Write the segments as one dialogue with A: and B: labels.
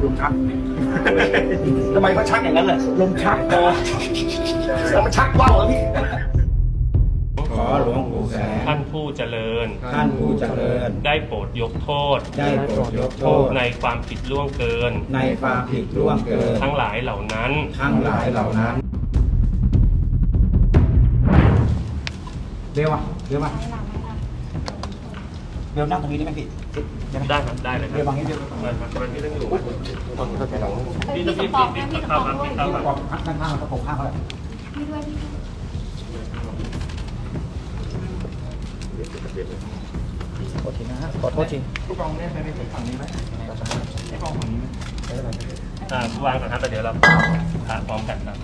A: ลมชักทำไมมันชักอย่างนั้นล่ะลมชักแล้วมันชักว่าวเหรอพี่ขอหลวงปู่แสง
B: ท่านผู้เจริญ
A: ท่านผู้เจริญ
B: ได้โปรดยกโทษ
A: ได้โปรดยกโทษ
B: ในความผิดล่วงเกิน
A: ในความผิดล่วงเกิน
B: ทั้งหลายเหล่านั้น
A: เร็วเร็วเร็วนั่งตรงนี้ได้ไหมพี่
B: ได้ครับได้เลยครับ
A: เร็วบางนี้เร็ว
B: มันไม่ต้องอยู่
C: พี่ต้องพี่
B: เข้าครับพี่เข้าครับ
A: ข้างๆแล้วก็ปกข้างเขาเลย
C: พี่ด้วย
A: ขอโทษทีนะฮะขอโทษทีผู้กองเนี่ยไปถึงฝั่งนี้ไหมผู้กองฝั่งนี้ไหม
B: วางก่อนครับแต่เดี๋ยวเราผ่าพร้อมกันครับ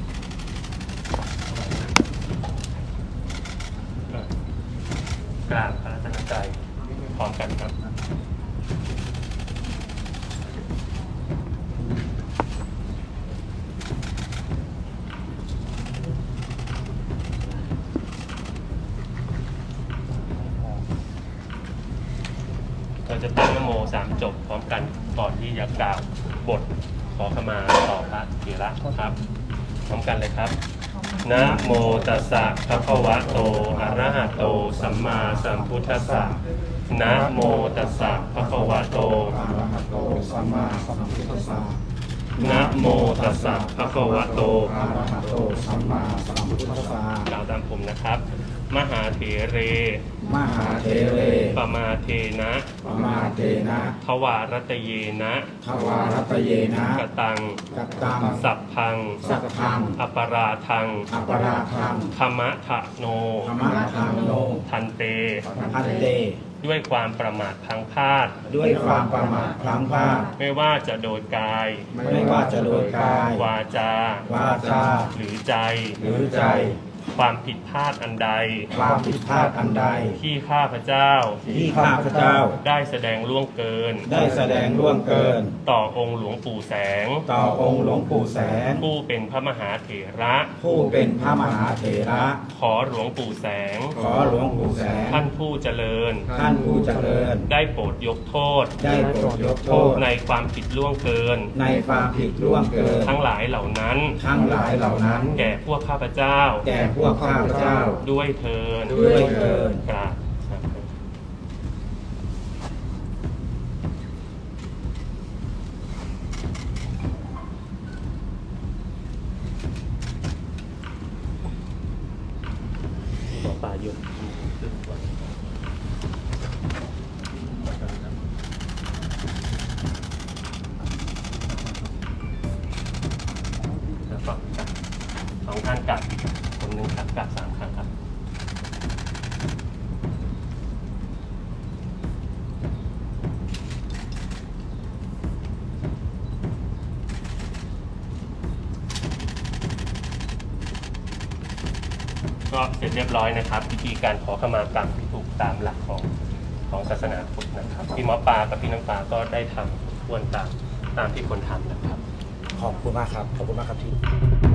B: กราบพระรัตนตรัยพร้อมกันครับเราจะตั้งนะโม3 จบพร้อมกันก่อนที่จะกล่าวบทขอขมาต่อพระเถระครับพร้อมกันเลยครับนะโมตัสสะภะคะวะโตอะระหะโตสัมมาสัมพุทธัสสะนะโมตัสสะภะคะวะโต
A: อะระหะโตสัมมาสัมพุทธัสสะ
B: นะโมตัสสะภะคะวะโต
A: อะระหะโตสัมมาสัมพุทธัสสะ
B: กล่าวตามผมนะครับมหาเถเรปมาเทนะทวารตเยนะกตังสัพพังอปราทังธรรมะทะโนทันเตด้วยความประมาทพลั้งพลาดไม่ว่าจะโดยกายวาจาหรือใจความผิดพลาดอันใดที่ข้าพเจ้าได้แสดงล่วงเกินต่อองค์หลวงปู่แสงผู้เป็นพระมหาเถระขอหลวงปู่แสงท่านผู้เจริญได้โปรดยกโทษในความผิดล่วงเกินทั้งหลายเหล่านั้นแก่พวกข้าพเจ้าด้วยเทินกราบป่าหยุดแล้วก็2 ท่านกลับคนหนึ่งกลับ3 ครั้งครับก็เสร็จเรียบร้อยนะครับวิธีการขอขมากรรมที่ถูกตามหลักของศาสนาพุทธนะครับพี่หมอปลากับพี่น้ำปลาก็ได้ทำทวนตามที่คนทำนะครับ
A: ขอบคุณมากครับที่